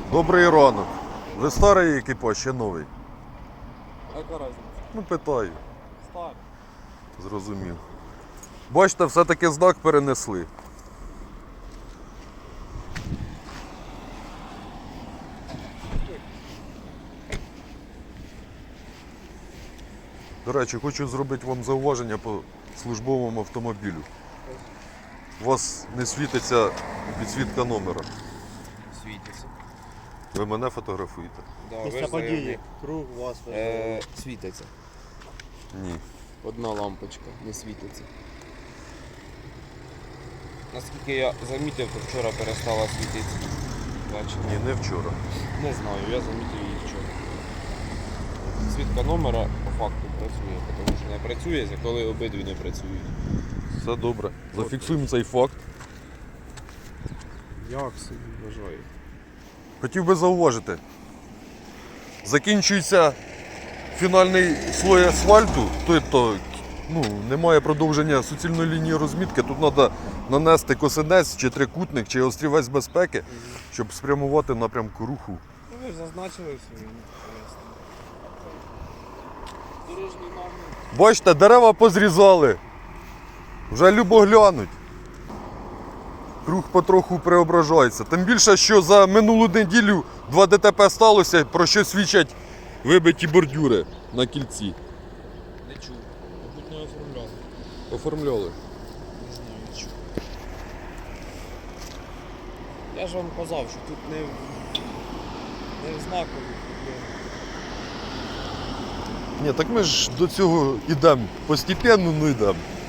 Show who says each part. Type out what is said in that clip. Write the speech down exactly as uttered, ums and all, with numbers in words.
Speaker 1: Добрий ранок. Ви старий екіпаж, ще новий?
Speaker 2: Яка різниця?
Speaker 1: Ну, питаю.
Speaker 2: Старий.
Speaker 1: Зрозумів. Бачите, все-таки знак перенесли. До речі, хочу зробити вам зауваження по службовому автомобілю. У вас не світиться підсвітка номера.
Speaker 2: Світиться.
Speaker 1: Ви мене фотографуєте?
Speaker 2: Да, ви
Speaker 3: Після
Speaker 2: ж
Speaker 3: події,
Speaker 2: заявник.
Speaker 3: круг вас
Speaker 2: Е, світиться.
Speaker 1: Ні.
Speaker 2: Одна лампочка не світиться. Наскільки я замітив, то вчора перестала світитися. Бачите?
Speaker 1: Ні, не вчора.
Speaker 2: Не знаю, я замітив її вчора. Світка номера по факту працює, тому що не працює, коли обидві не працюють.
Speaker 1: Все добре. Зафіксуємо цей факт.
Speaker 2: Як собі вважаю?
Speaker 1: Хотів би зауважити. Закінчується фінальний слой асфальту, тобто ну, немає продовження суцільної лінії розмітки. Тут треба нанести косинець, чи трикутник, чи острівець безпеки, щоб спрямувати напрямку руху.
Speaker 2: Ну, ви ж зазначили собі. Дорожній номер.
Speaker 1: Бачите, дерева позрізали. Вже любо глянуть. Рух потроху преображається. Тим більше, що за минулу неділю два ДТП сталося, про що свідчать вибиті бордюри на кільці.
Speaker 2: Не чув. Мабуть, не оформляли.
Speaker 1: Оформляли.
Speaker 2: Не знаю, не чув. Я ж вам казав, що тут не в, не в знакові проблеми.
Speaker 1: Ні, так ми ж до цього йдемо. Постепенно, ну йдемо.